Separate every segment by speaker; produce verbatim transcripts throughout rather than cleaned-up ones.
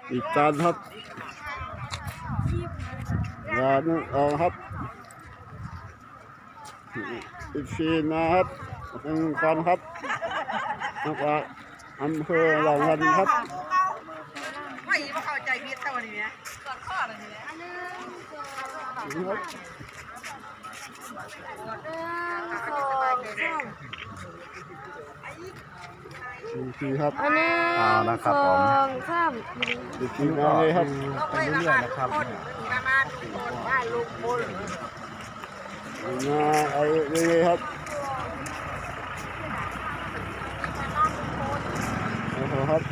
Speaker 1: อีกจานครับงานเอาครับอีกสี่นะครับหนึ่งคนครับแล้วก็อำเภอเหล่าวันครับ
Speaker 2: ไม่เข้าใจพิษเท่านี้เนี่ยกอดข้ออะไรเนี่ย
Speaker 1: ทีครับ
Speaker 3: อันนี้สองสาม
Speaker 1: อีกทีมาเลยครับ
Speaker 2: ไปเรื่อยๆนะครับมามาคนบ้านลุงพล
Speaker 1: มาเอาเลยครับโอ้โหครับ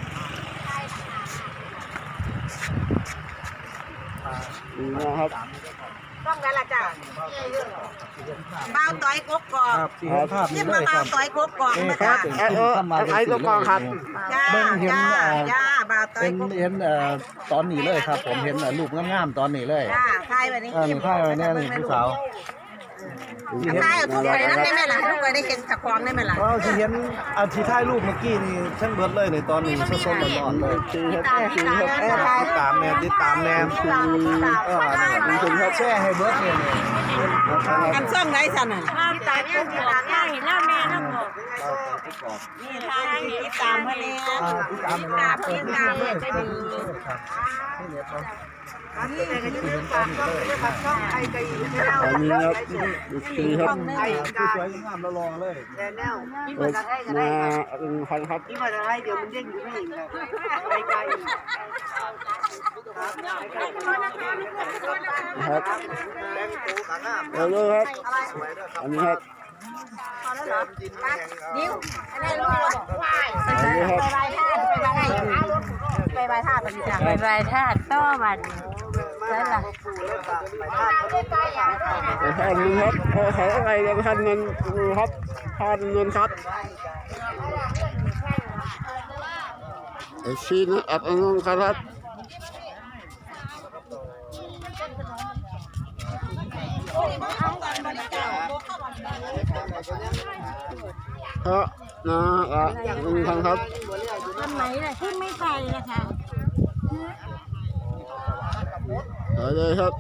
Speaker 1: ดีนะครับ
Speaker 2: ต้องกันละจ้ะบ้าวต้อยกกกอกที่มาบ้าวต้อยกกกอกมาจ้ะ
Speaker 1: ไอ้ตัวกองครับ
Speaker 2: จ้าจ้าจ้าบ้าวต้อยกกกอก
Speaker 4: เห็นตอนนี้เลยครับผมเห็นรูปงามๆตอนนี้เลย
Speaker 2: จ้าใครแบบนี้
Speaker 4: กินข้าวเนี่ยนี่ผู้สาว
Speaker 2: ใช่ทุกคนนั่นได้ไหมล่ะทุกคนได้เห็นตะควงได้ไหมล่ะ
Speaker 4: อ๋อที่เห็นอาที่ถ่ายรูปเมื่อกี้นี่ช่างเบิดเลยในตอนนี้สดๆร้อนๆเลย
Speaker 1: คือครับคือครับ
Speaker 4: ติดตามแนวติดตามแนวคือเออคุณครับแช่ให้เบิดเนี่ย
Speaker 2: กันซ่องไหนสั่นน่ะ
Speaker 3: ที่ตาเนี่ยที่ตาเนี่ยเห็นแล้วแม่น้ำหมก
Speaker 2: นี่ทางติดตามมาเนี่ย
Speaker 4: ติดตามติดตามติดตามเลยจะดี
Speaker 2: อันนี้ก็จะเป็นฝากช่องฝากช่องไอ้ไก่
Speaker 1: อันนี้ครับคือครับ
Speaker 4: สวยงามเราลองเลย
Speaker 2: แนว
Speaker 1: นี่มาหนึ่งพันครับ
Speaker 2: นี่มาอะไรเดี๋ยวมันเด้งอยู่ไม่เห็นเลยไอ้ไก่
Speaker 1: ครับเอาเลยครับอันนี้ครับ
Speaker 2: นิ้วอันนี้ลูกเราบอกวายไปใบท่าไปใบท่าไปใบท่าไปจ้ะ
Speaker 3: ไปใบธาตุต้อมันนั่นแหละ
Speaker 1: ท่านนึงครับขอขออะไรกันท่านเงินครับท่านเงินครับไอ้ชีนอัดเงินครับเพราะนะอ่ะลุงทางครับ
Speaker 3: ทำไหนล่ะที่ไม่ไปนะคะ
Speaker 1: ไปเลยครับ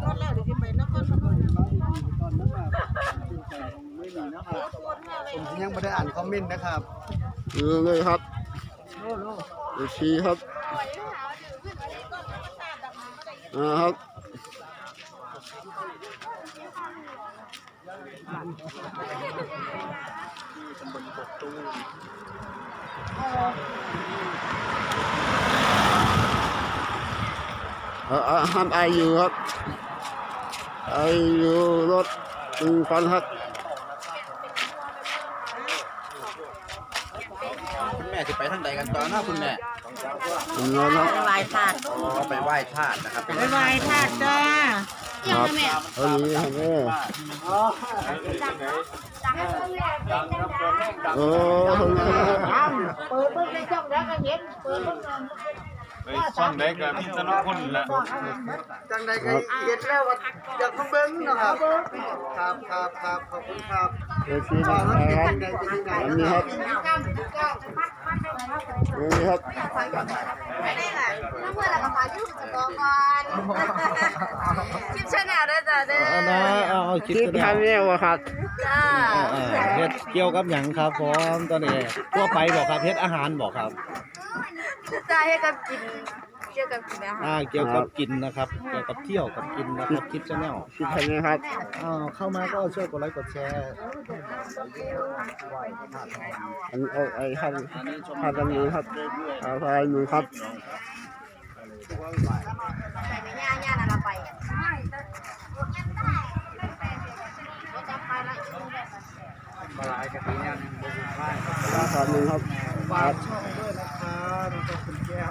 Speaker 4: ผมยังไม่ได้อ่านคอมเมนต์นะครับ
Speaker 1: ดูเลยครับดูชีครับนะครับอ่าห้ามไออยู่ครับไออยู่รถตึงฟันครับ
Speaker 5: คุณแม่จะไปทางใดกันตอนนะคุณแม่
Speaker 2: ไปไหว้ธาตุ
Speaker 5: อ๋อไปไหว้ธาตุนะครับ
Speaker 2: ไปไหว้ธาตุจ้า
Speaker 1: ครับเออนี่ครับเออโอ้
Speaker 2: เปิดเบิ้งในช่องแล้วก็เห็นเปิดเบิ้ง
Speaker 6: ไปช่องได้กับพี่ตนคุณละ
Speaker 4: จังใดก็เห็นแล้วว่าอยากมาเบิ้งนะครับครับครับครับขอบคุณครับ
Speaker 1: เออชีนะครับอันนี้ครับนี่ครับ
Speaker 2: ไม่ได้แหละถ้าเมื่อเราขอชื่อจะบอกก่อนคลิปชาแนลด้วยจ้ะเด้อ
Speaker 4: นะเอาคลิป
Speaker 1: ชาแนลครับ
Speaker 2: จ้า
Speaker 4: เฮ็ดเกี่ยวกับหยังครับพร้อมตอนนี้ทั่วไปบอกครับเฮ็ดอาหารบอกครับ
Speaker 2: จ้าให้กับกินเกี่ยวกับกินอาหาร
Speaker 4: อ่าเกี่ยวกับกินนะครับเกี่ยวกับเที่ยวกับกินนะครับคลิปชาแนล
Speaker 1: คลิปชาแนลครับ
Speaker 4: อ้าวเข้ามาก็ช่วยกดไลค์กดแชร์
Speaker 1: อันเอาไอ้ท่านท่านตรงนี้ครับเอาไปหนูครับ
Speaker 2: แต่ไม่ย่าย่านั่นเราไป
Speaker 4: มาหลายกะทิเนี่ย
Speaker 1: ราคาหนึ่งครับ
Speaker 4: ฝากช่องด้วยนะครับขอบคุณแก้ม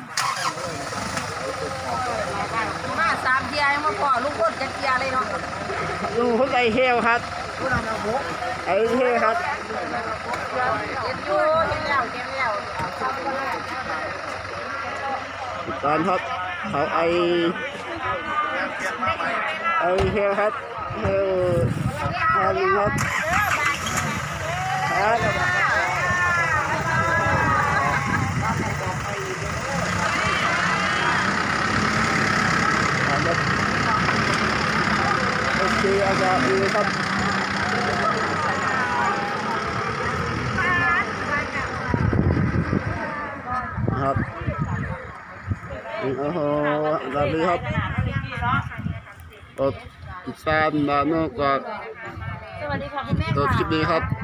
Speaker 2: มาสามเทียยังมาพอลูกคนจะเทียเลยเนาะ
Speaker 1: ลุงเขาไอเฮลครับไอเฮลครับ
Speaker 2: เห็นอยู่เห็นแล้วเห็นแล้ว
Speaker 1: ตอนครับเขาไอไอเฮลครับเฮลฮาริครับครับดีอากาศดีครับครับโอ้โหสวัสดีครับรถอีสานบ้านนอกก็
Speaker 3: สวัสดีค่ะคุณแม่
Speaker 1: รถคลิปนี้ครับ